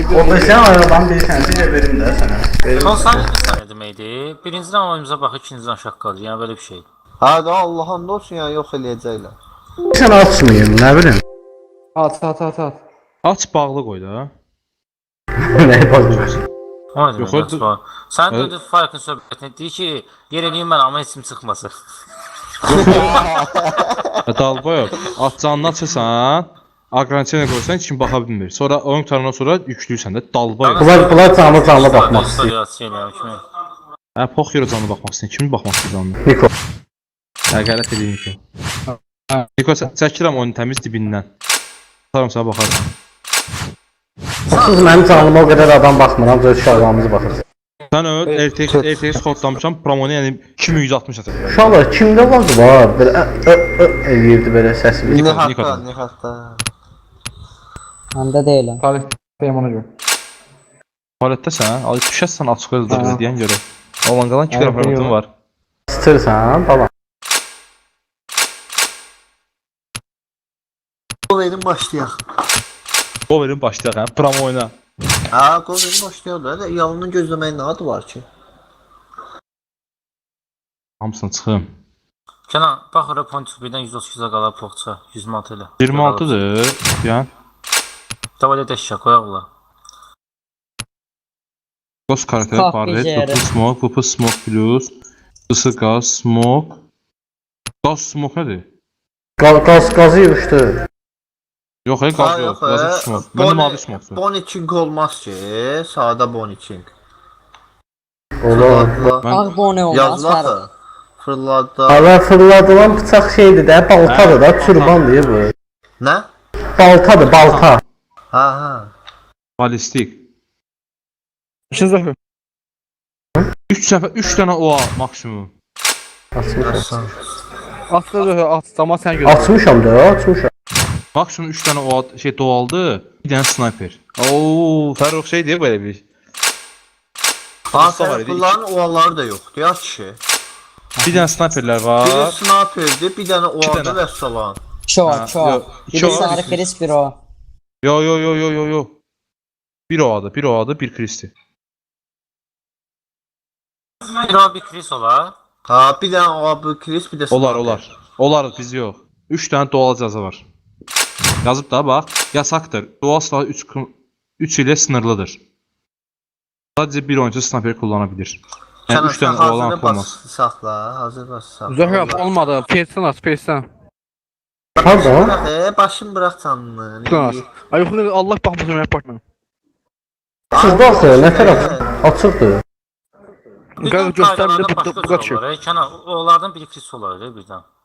O da sen aradan bir tanesi de verim de sana. Son saniye bir saniye deməkdir. Birinciden oyunumuza baxır, ikinciden şaqqalı. Yəni böyle bir şey. Ha da Allah'ın da olsun ya yox eləyəcəklər. Sen açmayın, ne bileyim. At. Aç bağlı qoy da. Ne yapacağız? O nə Yox, demək var? Sən Hə? döndün Farkın söhbətini deyir ki, yer eləyim mən amma heç kim çıxmasın. Dalboy, at canını açırsan, aqrançiyana qoysan heç kim baxa bilmir. Sonra oyun qutarından sonra yükləyirsən də dalboy. Bunlar canlı bakmak istiyor. istiyor. Hə, pox yerə canlı baxmaq istəyir. Kim baxmaq istəyir canlı? Niko. Hə, qələt edin Niko. Niko, çəkirəm oyunu təmiz dibindən. Tutarım sənə baxarım. Siz benim canlıma o kadar adam bakmıram, öz uşaqlarımızı bakırsın. Sən öl, RTX kodlamışam, promonu yəni 2160 atacaq. Uşaqlar kimdə var? Böyle eləyirdi böyle səsini. Nihatda. Məndə deyiləm. Tarif ona görə. Palətdəsən, al düşəsən açıq özdə bizə deyən görə. Olan qalan 2 Hə, qrafiyyatım yox. var. Sıtırsan, baba. Qol verin başlayaq. O verin başlayaq hə, promo oyna. Ha qol verin başlayaq da. Yalını gözləməyin nə adı var ki? Hamısını çıxım. Kenan, bax ora point 1-dən 132-də qalar poxça, 106 ilə. 26-dır, yəni. Davayla dəşşə qoyaqlar. Ghost karakter, Fuck barret, beceri. PP smoke plus, ısı gaz, smoke. Gaz smoke nədir? Gazı yığışdı. Yox, gaz yox, gaz smoke. Məndə mavi smoke'dur. Boniçing olmaz ki. Sağda Boniçing. Olur. Ağ bone olmaz. Yazılar da. Fırladı. Ara fırladılan bıçaq şeydir də, baltadır da, türban deyir bu. Nə? Baltadır, balta. Ha. Balistik. İşin zəfər. 3 dənə OA maksimum. Açmışam. At da zəfər, at. Amma sən gözlə. Açmışam da, açmışam. Maksimum 3 dənə OA şey doğaldı, bir dənə sniper. Oo, Fərrux şey deyir belə bir. Hasan bunların ovaları da yoxdur ya kişi. Bir dənə sniperlər Biri var. sniperdir, bir dənə İki ovadı dənə. və salan. Çok çok. İki Bir OA. sarı Chris bir o. Yo. Bir OA'dı, bir Kristi. Bir o bir Chris olar. Ha, bir dənə ovadı Chris, bir də sniper. Olar, biz yox. 3 dənə doğal cəza var. Yazıb da bax, yasaqdır. Doğal silahı 3 ilə sınırlıdır. Sadəcə bir oyuncu sniper kullana bilir. Yəni 3 dənə olan olmaz. Saxla, hazır bas saxla. Zəfər olmadı. Persən at, persən. Pardon. Başım bırax canını. Dur. Ay yox, Allah baxmasın mən apartmam. Açıqda axı, nə tərəf? Açıqdır. Qaz göstər bir də bu qaçır. Kenan, onlardan biri Chris olar birdən.